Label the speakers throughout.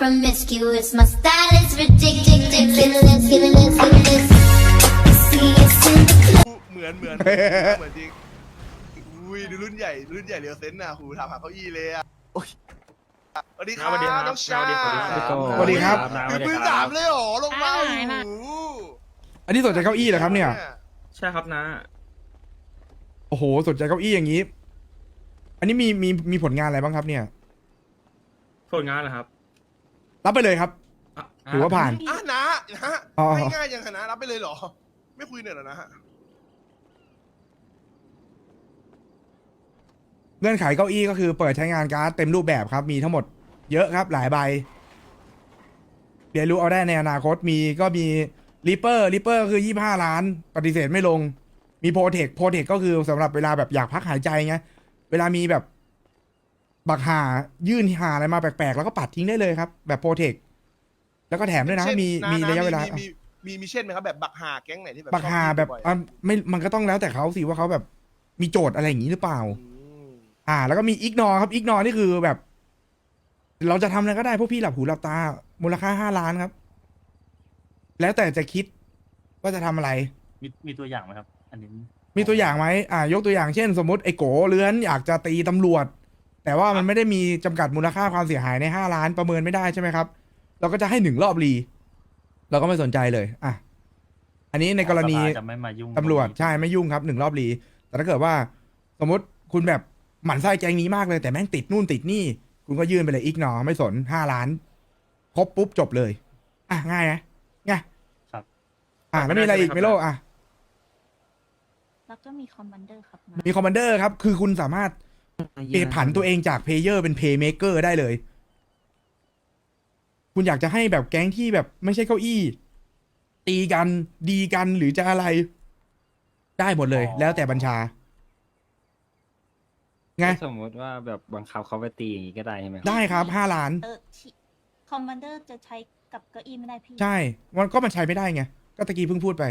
Speaker 1: promiscuous. My style is ridiculous. Feelings, feelings, feelings. See us in the club.
Speaker 2: เหมือนจริงอุ้ยดูรุ่นใหญ่เรียวเซนน่ะหูถามหาเก้าอี้เลยอ่ะสวัสดีครับน้องชา
Speaker 3: สวัสดีครับ
Speaker 2: คือพื้นสามเลยเหรอลงมาโอ้โห
Speaker 3: อันนี้สนใจเก้าอี้เหรอครับเนี่ย
Speaker 4: ใช่ครับนะ
Speaker 3: โอ้โหสนใจเก้าอี้อย่างนี้ อันนี้มีผลงานอะไรบ้างครับเนี่ย
Speaker 4: ผลงานเหรอครับ
Speaker 3: รับไปเลยครับ
Speaker 4: อ่ะ
Speaker 3: ถือว่าผ่าน
Speaker 2: อ่ะนะ
Speaker 3: อ๋อ
Speaker 2: ง่ายๆยังขนาดรับไปเลยเหรอไม่คุยเนี่ยเหรอนะฮะ
Speaker 3: เงื่อนไขเก้าอี้ก็คือเปิดใช้งานการ์ดเต็มรูปแบบครับ มีทั้งหมดเยอะครับหลายใบเรียนรู้เอาได้ในอนาคตก็มีริปเปอร์คือ25 ล้านปฏิเสธไม่ลง มีโปรเทคก็คือสำหรับเวลาแบบอยากพักหายใจไงเวลามีแบบบักหายื่นหาอะไรมาแปลกๆแล้วก็ปัดทิ้งได้เลยครับ แบบโปรเทคแล้วก็แถมด้วยนะ
Speaker 2: เช่
Speaker 3: มีระยะเวลา
Speaker 2: มีเช่นไหมครับแบบบักหาแก๊งไหนที่แบบ
Speaker 3: บักหา
Speaker 2: ชอ
Speaker 3: แบบ
Speaker 2: บ่อยๆ
Speaker 3: อ่ะไม่มันก็ต้องแล้วแต่เขาสิว่าเขาแบบมีโจทย์อะไรอย่างนี้หรือเปล่า
Speaker 2: อืม
Speaker 3: แล้วก็มีอิกนอครับอิกนอนี่คือแบบ เราจะทำอะไรก็ได้พวกพี่หลับหูหลับตา มูลค่า5 ล้านครับ แล้วแต่จะคิดว่าจะทำอะไร
Speaker 5: มีตัวอย่างไหมครับ อันนี้
Speaker 3: มีตัวอย่างไหมยกตัวอย่างเช่น สมมติไอ้โกเลื้อนอยากจะตีตำรวจ แต่ว่ามันไม่ได้มีจำกัดมูลค่าความเสียหายใน5 ล้านประเมินไม่ได้ใช่ไหมครับ เราก็จะให้1 รอบรีเราก็ไม่สนใจเลยอันนี้ในกรณี
Speaker 5: สภาจะไม่มายุ่ง
Speaker 3: ตำรวจ
Speaker 5: ตงนี้
Speaker 3: ใช่ไม่ยุ่งครับ1 รอบรีแต่ถ้าเกิดว่า สมมติคุณแบบหมั่นไส้แกงนี้มากเลยแต่แม่งติดนู่นติดนี่ คุณก็ยื่นไปเลยอีกหนอไม่สน5 ล้านครบปุ๊บจบเลยง่ายนะง่าย
Speaker 5: ครับ
Speaker 3: แล้วมีอะไรอีกไม่โล
Speaker 6: แล้วก็มีคอมมานเดอร์ครับนะ
Speaker 3: มีคอมมานเดอร์ครับ คือคุณสามารถเปลี่ยนผันตัวเองจากเพลเยอร์เป็นเพย์เมเกอร์ได้เลย คุณอยากจะให้แบบแก๊งที่แบบไม่ใช่เก้าอี้ ตีกันดีกันหรือจะอะไร ได้หมดเลย แล้วแต่บัญชาไง
Speaker 7: สมมติว่าแบบบังคับเขาไปตีอย่างนี้ก็ได้ใช่ไหมครับ
Speaker 3: ได้ครับ5 ล้าน
Speaker 6: คอมมานเดอร์จะใช้กับเก้าอี้ไม่ได้พี่
Speaker 3: ใช่มันใช้ไม่ได้ไง ก็ตะกี้เพิ่งพูดไป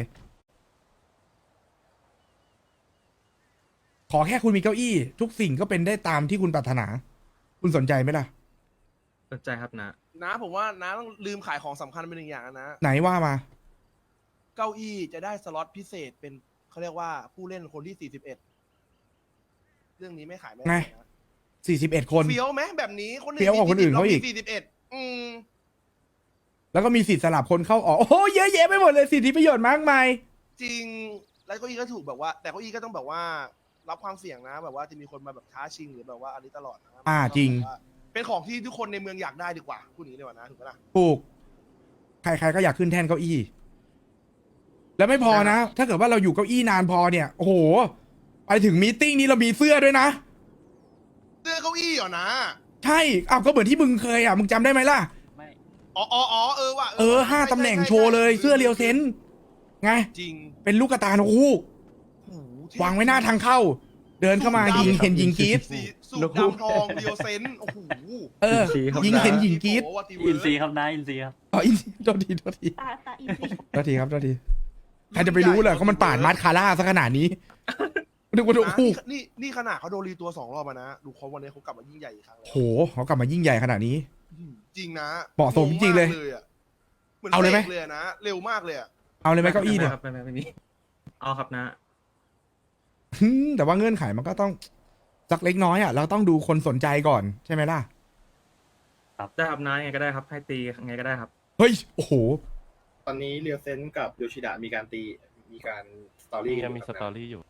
Speaker 3: ขอแค่คุณมีเก้าอี้ ทุกสิ่งก็เป็นได้ตามที่คุณปรารถนา คุณสนใจไหมล่ะ
Speaker 4: สนใจครับนะ
Speaker 2: นะผมว่านะต้องลืมขายของสำคัญไป1 อย่างนะ
Speaker 3: ไหนว่ามา
Speaker 2: เก้าอี้จะได้สล็อตพิเศษเป็นเขาเรียกว่าผู้เล่นคนที่41เรื่องนี้ไม่ขายไม่
Speaker 3: ไง
Speaker 2: ได้นะ
Speaker 3: 41 คน
Speaker 2: เฟี้ยวไหมแบบนี้คน
Speaker 3: เฟี้ยวกว่าคนอื่นเขาอีก
Speaker 2: 41
Speaker 3: แล้วก็มีสิทธิ์สลับคนเข้าออก โอ้โหเยอะแยะไปหมดเลยสิทธิประโยชน์มากมาย
Speaker 2: จริงแล้วเก้าอี้ก็ถูกแบบว่า แต่เก้าอี้ก็ต้องแบบว่ารับความเสี่ยงนะ แบบว่าจะมีคนมาแบบท้าชิงหรือแบบว่าอันนี้ตลอดนะ
Speaker 3: จริง
Speaker 2: แบบว่าเป็นของที่ทุกคนในเมืองอยากได้ดีกว่าพูดอย่างนี้ดีกว่านะถูกไหมล่ะ
Speaker 3: ถูก ใครๆก็อยากขึ้นแท่นเก้าอี้ แล้วไม่พอนะ ถ้าเกิดว่าเราอยู่เก้าอี้นานพอเนี่ย โอ้โห ไปถึงมีตติ้งนี้เรามีเสื้อด้วยนะ
Speaker 2: เสื้อเก้าอี้เหรอนะ
Speaker 3: ใช่ก็เหมือนที่มึงเคยมึงจำได้ไหมล่ะ
Speaker 5: ไม่
Speaker 2: อ๋อว่ะ
Speaker 3: 5 ตำแหน่งโชว์เลย เสื้อเรียวเซนไง
Speaker 2: จริง
Speaker 3: เป็นลูกกระตาโอ้โห
Speaker 2: โอ้โหเท่
Speaker 3: วางไว้หน้าทางเข้า เดินเข้ามายิงเห็นยิงกรีด
Speaker 2: สีสูทดำทองเรียวเซนโอ้โห
Speaker 3: ยิงเห็นยิงกรีด
Speaker 2: โอ้โหว่าทีเวิ
Speaker 5: อิ
Speaker 2: ร์
Speaker 5: น
Speaker 2: ก
Speaker 5: ซีครับนายอินซีครับ
Speaker 3: อินโทษที
Speaker 6: ตาอีพี
Speaker 3: โทษทีครับโทษทีใครจะไปรู้เหรอเขามันป่านมาร์คาร่าซะขนาดนี้นึกว่าโอ้โห
Speaker 2: นี่ขนาดเขาโดนรีตัว2 รอบมานะ ดูเขาวันนี้เขากลับมายิ่งใหญ่อีกครั้งแล้ว
Speaker 3: โหเขากลับมายิ่งใหญ่ขนาดนี้
Speaker 2: จริงนะ
Speaker 3: เหมาะสมจริงๆเลย
Speaker 2: เหมือน
Speaker 3: เอาเลยไหม
Speaker 2: สกเลยนะ เร็วมากเลยอะ
Speaker 3: เอาเลยไหมเก้าอี้เนี่ย
Speaker 4: ครับไม่มีเอาครับนะ
Speaker 3: แต่ว่าเงื่อนไขมันก็ต้องสักเล็กน้อยเราต้องดูคนสนใจก่อนใช่ไหมล่ะ
Speaker 4: ได้ครับนะยังไงก็ได้ครับ ให้ตียังไงก็ได้ครับ
Speaker 3: เฮ้ย โอ้โห
Speaker 8: ตอนนี้เรียวเซนกับโยชิดะมีการสตอรี่
Speaker 7: มีสตอรี่อยู่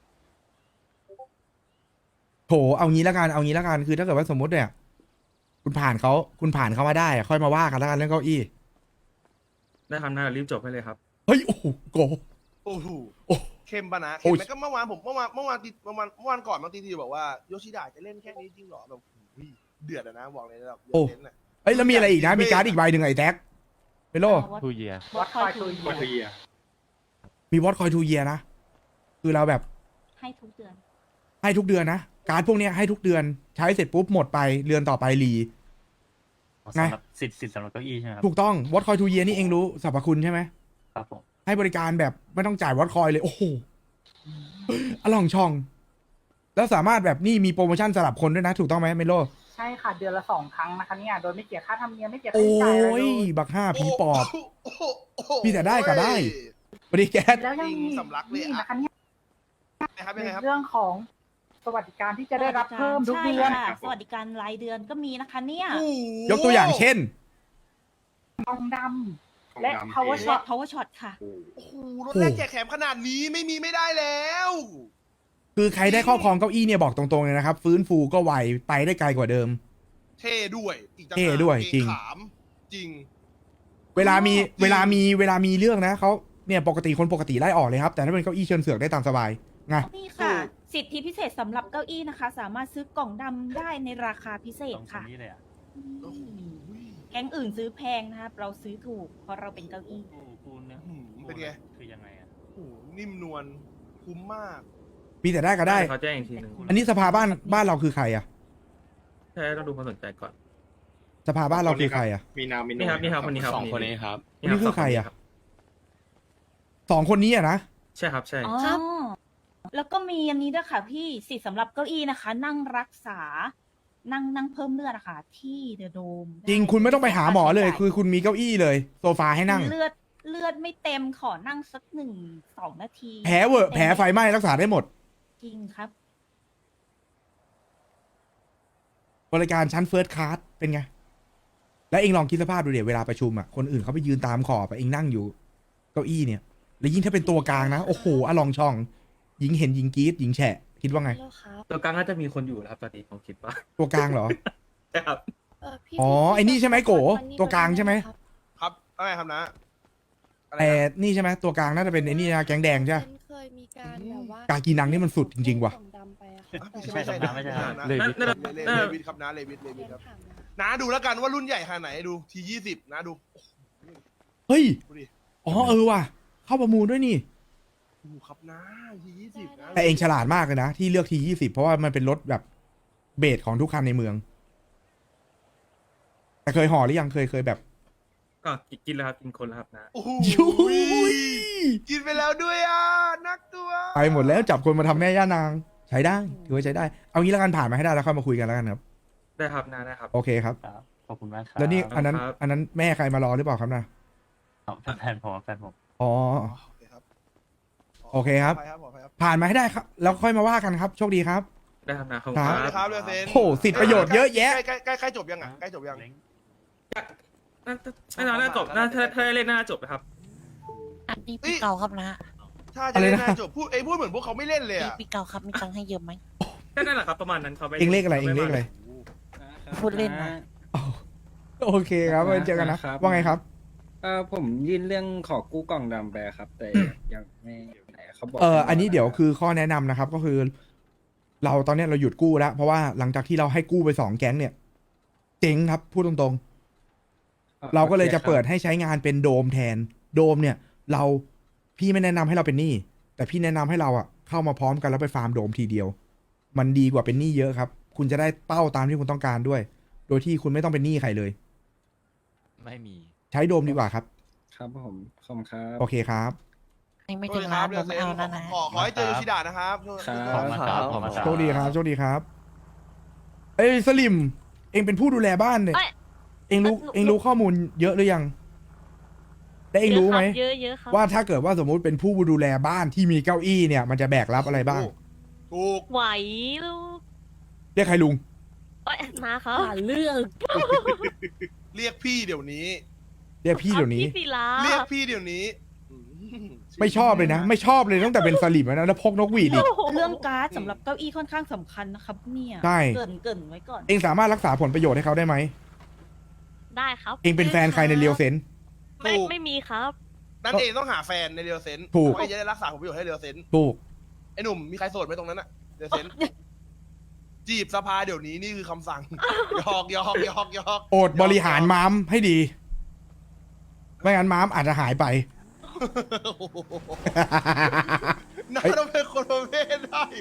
Speaker 3: โถเอางี้แล้วกันคือถ้าเกิดว่าสมมติเนี่ย คุณผ่านเขามาได้ค่อยมาว่ากันแล้วกันเรื่องเก้าอี้
Speaker 4: ได้ครับนะรีบจบให้เลยครับ
Speaker 3: เฮ้ย โอ้โหโก
Speaker 2: โอ้โห
Speaker 3: โอ้
Speaker 2: เข้มปะนะ
Speaker 3: โอ้
Speaker 2: เข้ม
Speaker 3: ย
Speaker 2: ไหมก็เมื่อวานก่อนบางทีบอกว่าโยชิดะจะเล่นแค่นี้จริงเหรอแบบอุ้ยเดือดอะนะบอกเลยนะแบบเดือดเน้นอะ
Speaker 3: เอ้ยแล้วมีอะไรอีกนะ มีการ์ดอีกใบหนึ่งไอ้แท็กเปโล
Speaker 7: ทูเยีย
Speaker 6: วัดคอยทู
Speaker 8: วัตถุเยีย
Speaker 3: มีวอตคอยทูเยียนะ คือเราแบบ
Speaker 6: ให้ทุกเดือน
Speaker 3: ให้ทุกเดือนนะ การ์ดพวกเนี้ยให้ทุกเดือน ใช้เสร็จปุ๊บหมดไปเดือนต่อไปรี ไง
Speaker 5: สำหรับสิทธิ์สำหรับเก้าอี้ใช่ไหมครับ
Speaker 3: ถูกต้องวอตคอยทูเยียนี่เองรู้สรรพคุณใช่ไหม
Speaker 5: ครับผม
Speaker 3: ให้บริการแบบไม่ต้องจ่ายวอตคอยเลย โอ้โหอล่องช่อง แล้วสามารถแบบนี่มีโปรโมชั่นสำหรับคนด้วยนะ ถูกต้องไหมเมโล
Speaker 9: ใช่ค่ะเดือนละ2 ครั้งนะคะเนี่ยโดยไม่เสียค่าธรรมเนียมไม่เสียค่า
Speaker 3: โอ้
Speaker 9: ใช้จ่ายอะไรเลย
Speaker 3: ยบักห้าผีปอบ
Speaker 2: โอ้โหโอ้โห
Speaker 3: มีแต่ได้กับได้ สวัสดีแก๊ส
Speaker 9: แล้วยังมี
Speaker 2: สำลักเลย
Speaker 9: นี่
Speaker 2: อะ
Speaker 9: นะคะเนี่ย
Speaker 2: นะครับ
Speaker 9: ใน
Speaker 2: ยังไงครับ
Speaker 9: เรื่องของสวัสดิการที่จะได้รับเพิ่มทุกเดือน
Speaker 6: ใช่ค่ะสวัสดิการรายเดือนก็มีนะคะเนี่ย
Speaker 3: ยกตัวอย่างเช่น
Speaker 9: ทองดำและ power
Speaker 6: และ
Speaker 9: shot
Speaker 6: power shot ค่ะ
Speaker 2: โอ้โหรถแรกแจกแถมขนาดนี้ไม่มีไม่ได้แล้ว
Speaker 3: คือใครได้ครอบครองเก้าอี้เนี่ยบอกตรงๆเลยนะครับ ฟื้นฟูก็ไวไปได้ไกลกว่าเดิม
Speaker 2: เท่ด้วยอีกต่างหาก
Speaker 3: เท่ด้วย
Speaker 2: เก
Speaker 3: จริง
Speaker 2: ขามจริง
Speaker 3: เวลามี
Speaker 2: จริง
Speaker 3: เวลามีเรื่องนะเขาเนี่ยปกติคนปกติไล่ออกเลยครับ แต่ถ้าเป็นเก้าอี้เชิญเสือกได้ตามสบายไง
Speaker 6: นี่ค่ะ สิทธิพิเศษสำหรับเก้าอี้นะคะ สามารถซื้อกล่องดำได้ในราคาพิเศ
Speaker 5: ต
Speaker 6: ษ
Speaker 5: รง
Speaker 6: ค่ะ
Speaker 5: นี้เลยอ่ะ
Speaker 2: โอ้โห
Speaker 6: แก๊งอื่นซื้อแพงนะครับ เราซื้อถูกเพราะเราเป็นเก้าอี้
Speaker 5: กูเนื้อ
Speaker 2: เป็นไง
Speaker 5: คือยังไงอ่ะ
Speaker 2: โอ้โหนิ่มนวลคุ้มมาก
Speaker 3: มีแต่ได้ก็ได้
Speaker 4: เขาแจ้งอีกทีหนึ่ง
Speaker 3: อันนี้สภาบ้านเราคือใครอะ
Speaker 4: ใช่ต้องดูความสนใจก่อน
Speaker 3: สภาบ้านเราคือใครอะ
Speaker 8: มีนามมี
Speaker 4: นี่ครับนี่ครับคนนี้ครับ
Speaker 7: สองคนนี้ครับ
Speaker 3: คนนี้คือใครอะ สองคนนี้อะนะ
Speaker 4: ใช่ครับใช่
Speaker 6: อ๋อ แล้วก็มีอันนี้ด้วยค่ะพี่สิทธิ์สำหรับเก้าอี้นะคะ นั่งรักษา นั่งเพิ่มเลือดอะค่ะ ที่เดอะโดม
Speaker 3: จริงคุณไม่ต้องไปหาหมอเลย คือคุณมีเก้าอี้เลย โซฟาให้นั่ง
Speaker 6: เลือดไม่เต็มขอนั่งสัก1-2 นาที
Speaker 3: แผลเวอะแผลไฟไหม้รักษาได้หมด
Speaker 6: จริงครับ
Speaker 3: บริการชั้นเฟิร์สคลาสเป็นไง แล้วเองลองคิดสภาพดูเดี๋ยวเวลาประชุมอ่ะ คนอื่นเขาไปยืนตามขอบอะเองนั่งอยู่ เก้าอี้เนี่ย แล้วยิ่งถ้าเป็นตัวกลางนะ โอ้โหอลองช่อง หญิงเห็นหญิงกรี๊ดหญิงแฉะ คิดว่าไง
Speaker 4: ตัวกลางน่าจะมีคนอยู่แล้วครับตอนนี้ผมคิดว่า
Speaker 3: ตัวกลางเหรอ
Speaker 4: ใช่ครับ
Speaker 3: อ๋อ ไอ้นี่ใช่ไหมโก ตัวกลางใช่ไหม
Speaker 2: ครับอะไรครับนะอะไร
Speaker 3: แต่
Speaker 2: นะ
Speaker 3: นี่ใช่ไหมตัวกลางน่าจะเป็นไอ้นี่นะแก๊งแดงใช่ไหม
Speaker 10: เคยมีการแบบว่าก
Speaker 3: ากีนังนี่มันสุดจริงๆว่ะ
Speaker 10: กล่องดำไปอะ
Speaker 2: อ่ะ
Speaker 10: ค่ะ
Speaker 2: ไม่ใช่นะ
Speaker 5: ไม่ใช่ครับ
Speaker 2: นะ
Speaker 7: เลวิท
Speaker 2: เลวิทครับนะเลวิทครับ น้าดูแล้วกันว่ารุ่นใหญ่ขนาดไหนดูที20นะดู
Speaker 3: เฮ้ย
Speaker 2: ดูดิ
Speaker 3: อ๋อเออว่ะ เข้าประมูลด้วยนี่
Speaker 2: ดูครับนะที20นะ
Speaker 3: แต่เองฉลาดมากเลยนะ ที่เลือกที20เพราะว่ามันเป็นรถแบบเบสของทุกคันในเมือง แต่เคยห่อหรือยังเคยแบบ
Speaker 4: ก็กินแล้วครับกินคนแล้วครับนะ
Speaker 2: โอ้โห
Speaker 3: ยุ้ย
Speaker 2: กินไปแล้วด้วยอ่ะนักตัว
Speaker 3: ไปหมดแล้วจับคนมาทำแม่ย่านาง ใช้ได้ถือว่าใช้ได้ เอางี้แล้วกันผ่านมาให้ได้แล้วค่อยมาคุยกันแล้วกันครับ
Speaker 4: ได้ครับนะได้ครับ
Speaker 3: โอเคครับ
Speaker 5: ครับขอบคุณมากครับ
Speaker 3: แล้วนี่
Speaker 4: ครับ
Speaker 3: อันนั้น
Speaker 4: ครับ
Speaker 3: อันนั้นแม่ใครมารอหรือเปล่าครับนะ
Speaker 5: แฟนผมแฟนผม
Speaker 3: อ๋อ
Speaker 2: โอเคครับ
Speaker 3: โอเคครับ
Speaker 2: ขออภัยครับ
Speaker 3: ผ่านมาให้ได้ครับ แล้วค่อยมาว่ากันครับ โชคดีครับ
Speaker 4: ได้ครับนะขอบ
Speaker 3: ค
Speaker 4: คุ
Speaker 3: รั
Speaker 4: ณ
Speaker 3: บ
Speaker 4: ค
Speaker 2: ค
Speaker 4: รั
Speaker 2: รับบ เรือเซน
Speaker 3: โอ้โหสิทธิประโยชน์เยอะแยะ
Speaker 2: ใกล้จบยังอ่ะใกล้จบยัง
Speaker 5: เล้ง
Speaker 4: น่าจบน่าถ้าได้เล่นน่าจบนะครับ
Speaker 10: อันนี้ปีเก่าครับนะ
Speaker 2: ถ้าจะเล่นน่าจบพูดเหมือนพวกเขาไม่เล่นเลยอ่ะ
Speaker 10: ปีเก่าครับมีตังค์ให้เยอะไหม
Speaker 4: ก็นั่นแหละครับประมาณนั้นเขาไป
Speaker 3: เองเลขอะไรเองเลขอะไร
Speaker 10: พูดเล่นนะ
Speaker 3: อ๋อโอเคครับไว้เจอกันนะ
Speaker 7: ครับ
Speaker 3: ว่าไงครับ
Speaker 7: ผมยื่นเรื่องขอกู้กล่องดำไปครับ แต่ยังไม่ไหนเขาบอก
Speaker 3: อันนี้เดี๋ยวคือข้อแนะนำนะครับ ก็คือ เราตอนเนี้ยเราหยุดกู้แล้ว เพราะว่าหลังจากที่เราให้กู้ไป2แก๊งเนี่ย เจ๊งครับ พูดตรงๆ เราก็เลยจะเปิดให้ใช้งานเป็นโดมแทน โดมเนี่ย พี่ไม่แนะนำให้เราเป็นหนี้แต่พี่แนะนำให้เราอะเข้ามาพร้อมกันแล้วไปฟาร์มโดมทีเดียว มันดีกว่าเป็นหนี้เยอะครับ คุณจะได้เป้าตามที่คุณต้องการด้วย โดยที่คุณไม่ต้องเป็นหนี้ใครเลย
Speaker 7: ไม่มี
Speaker 3: ใช้โดมดีกว่าครับ
Speaker 7: ครับผมขอบคุณครับ
Speaker 3: โอเคครับ
Speaker 10: นี่ไม่
Speaker 2: โท
Speaker 10: ถึ
Speaker 2: ษ
Speaker 10: ง
Speaker 2: ค
Speaker 10: ล้า
Speaker 2: รั
Speaker 10: น
Speaker 2: บเรื
Speaker 10: ผ
Speaker 2: อ
Speaker 10: ม
Speaker 2: เซ
Speaker 10: ไม่
Speaker 2: น
Speaker 10: เอาแล้วนะ
Speaker 2: ขอให้เจอโยชิดะนะครับ
Speaker 7: ครับ
Speaker 5: ขอบคุณครับ
Speaker 3: โชคดีครับโชคดีครับ เอ้ยสลิม เองเป็นผู้ดูแลบ้านเนี่ย เองรู้ข้อมูลเยอะหรือยังแต่เองรู้ไหม
Speaker 6: เยอะครับ
Speaker 3: ว่าถ้าเกิดว่าสมมุติเป็นผู้ดูแลบ้านที่มีเก้าอี้เนี่ย มันจะแบกรับอะไรบ้าง
Speaker 2: ถูก
Speaker 6: ไหวลูก
Speaker 3: เรียกใครลุง
Speaker 6: มาครับ
Speaker 10: เรื่อง
Speaker 2: เรียกพี่เดี๋ยวนี้
Speaker 3: เรียกพี่เดี๋ยวนี้
Speaker 6: ศิลา
Speaker 2: เรียกพี่เดี๋ยวนี้
Speaker 3: ไม่ชอบเลยนะ ไม่ชอบเลยตั้งแต่เป็นสลิมแล้วนะแล้วพกนกหวีดอีก
Speaker 6: เรื่องการ์ดสำหรับเก้าอี้ค่อนข้างสำคัญนะครับเนี่ย
Speaker 3: ใช่
Speaker 6: เกรินไว้ก่อน
Speaker 3: เองสามารถรักษาผลประโยชน์ให้เขาได้ไหม
Speaker 6: ได้ครับ
Speaker 3: เองเป็นแฟนใครในเรียวเซน
Speaker 6: ไม่มีครับ
Speaker 2: นั่นเองต้องหาแฟนในเรียวเซน
Speaker 3: ถูก
Speaker 2: ไอ้จะได้รักษาผลประโยชน์ให้เรียวเซน
Speaker 3: ถูก
Speaker 2: ไอ้หนุ่มมีใครโสดไหมตรงนั้นอะเรียวเซนจีบสภาเดี๋ยวนี้นี่คือคำสั่งหยอก
Speaker 3: โอดบริหารม้ามให้ดี ไม่งั้นม้ามอาจจะหายไป
Speaker 2: น่าจะเป็นคนประเภทได้